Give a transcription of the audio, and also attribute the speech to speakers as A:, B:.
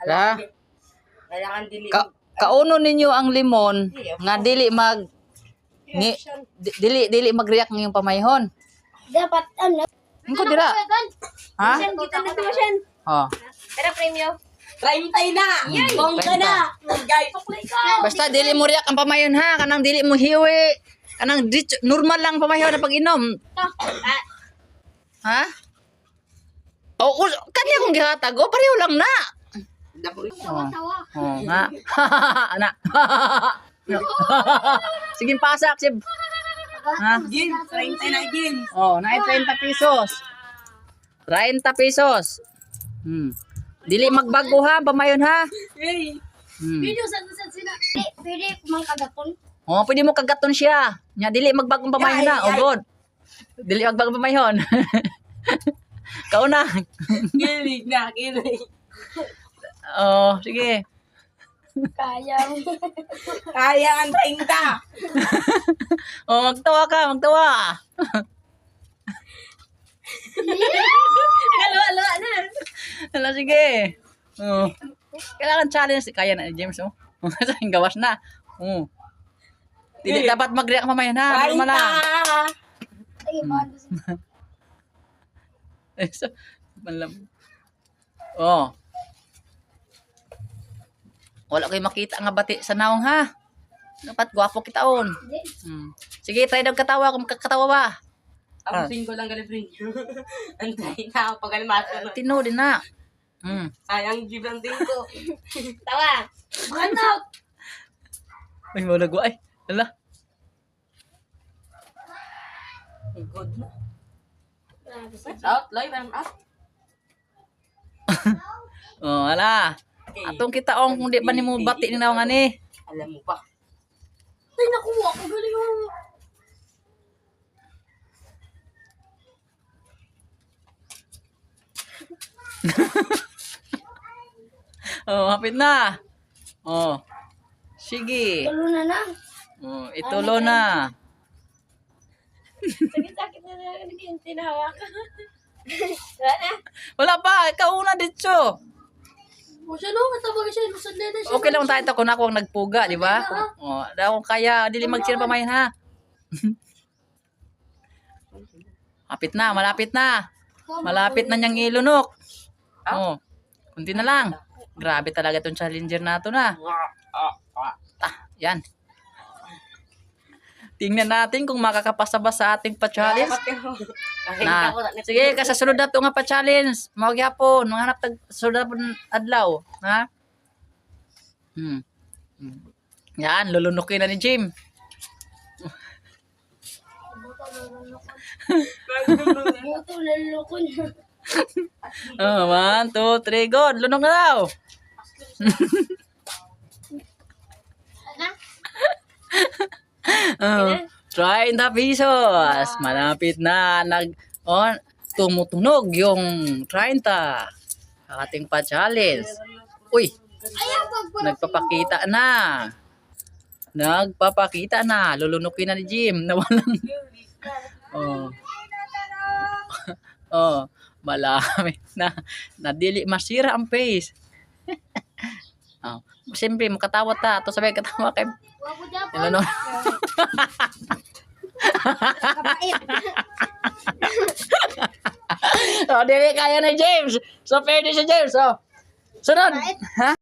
A: Ha?
B: Kailangan dili.
A: Kauno ninyo ang limon nga dili dili mag-react ng iyong pamayhon.
C: Dapat
A: Ingko dira. Ha?
C: kita na tumasyan.
A: Oh.
C: Tara, premyo.
B: 30 na. Bongga na. Guys,
A: Basta dili mo react ang pamayhon ha, kanang dili mo hiwi. Kanang normal lang pamayhon na pag-inom. Ha? Oh, kanya kung gihatag, pareho lang na.
C: Tawa-tawa.
A: Oh, nga. Ana. Sige, pasak, sib. Ha?
B: Gin, 30 na gin.
A: Oh, na 30 pesos. 30 pesos. Dili magbago ha, pamayon ha.
B: Hey.
C: Video sa sila. Pwede kumang kagapon.
A: Oh, pwede mo kagaton siya. Nya dili magbagong pamayon na. Oh, good. Dili magbagong pamayon. Kauna.
B: Kilig na, kilig.
A: Oh, sige.
C: Kayang.
B: Kaya ang 30.
A: Oh, magtawa ka, magtawa.
C: Halo na.
A: Hala, sige. Oh. Kailangan challenge. Kaya na ni James, oh. Ang gawas na. Oh. Dili dapat mag-react mamaya na.
B: 30.
A: Normal lang.
C: Ay, bado sa.
A: Oh. Wala kayo makita nga bati sa naong ha. Dapat gwapo kitaon. Sige, try daw katawa kung kakatawa ba.
B: Ang single lang girlfriend. Antay na ako pag almasan.
A: Tino din na.
B: Sayang jeep ang ko.
C: Tawa. Ano?
A: Ay, maulago ay. Hala.
B: Good na. Out, live and up.
A: Oh, hala. Atong kitaong kung di ba ni mo bati ni naong ani.
B: Alam mo pa.
C: Ay, nakuha ko. Galing mo.
A: Oh, hapit na. Oh. Sige.
C: Tulo na na.
A: Oh, itulo na.
C: Sakit-sakit na yung tinahawak. Wala na.
A: Wala pa, ikaw una dito.
C: O siya no, matabag siya. Lusad na siya.
A: Okay lang tayo kung ako ang nagpuga, di ba? Oh, daw kung kaya dili magsira pamayin ha. Hapit na, malapit na. Malapit na niyang ilunok. Oh. Kunti na lang. Grabe talaga tong challenger nato na. Yan. Tingnan natin kung makakapasa ba sa ating pa-challenge. Na. Sige, kasasunod na ito nga pa-challenge. Mawagyapon. Manghanap tag sunod na adlaw. Ha? Yan, lulunukin na ni Jim.
C: Buto lalukon.
A: Oh, 1, 2, 3, go. Lunok na daw. Oh, 30 pesos. Malapit na. Tumutunog yung 30. Ating pa-challenge. Uy, nagpapakita na. Nagpapakita na. Lulunukin na ni Jim. Nawalang. Oh. Oh, malami na. Nadili masira ang face. Oh, siyempre makatawa ta. Ato sabay katawa kay
C: Wapo dyan po.
A: Ilunok.
C: Kapait.
A: Oh, dili kaya na James. So, fair din si James. Oh. Sunod. Ha?